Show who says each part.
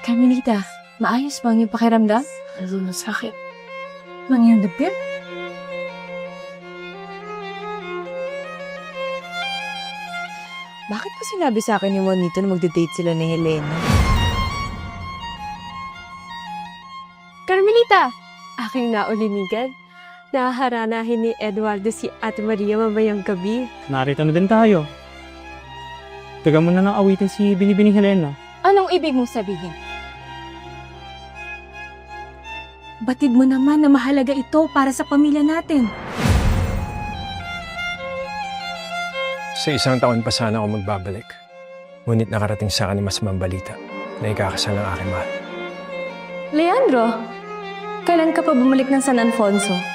Speaker 1: Carmelita, maayos ba ang iyong pakiramdam?
Speaker 2: Ano na sakit?
Speaker 1: Mang iyong dapit? Bakit pa sinabi sa akin ni Juanito na magde-date sila ni Helena?
Speaker 2: Carmelita! Aking naulinigan. Naharanahin ni Eduardo si Ate Maria mamayang gabi.
Speaker 3: Narito na din tayo. Taga mo na ng awitin si Binibining Helena.
Speaker 1: Anong ibig mong sabihin? Batid mo naman na mahalaga ito para sa pamilya natin.
Speaker 4: Sa isang taon pa sana ako magbabalik. Ngunit nakarating sa akin ni masamang balita na ikakasal ng aking mahal.
Speaker 2: Leandro, kailan ka pa bumalik ng San Alfonso?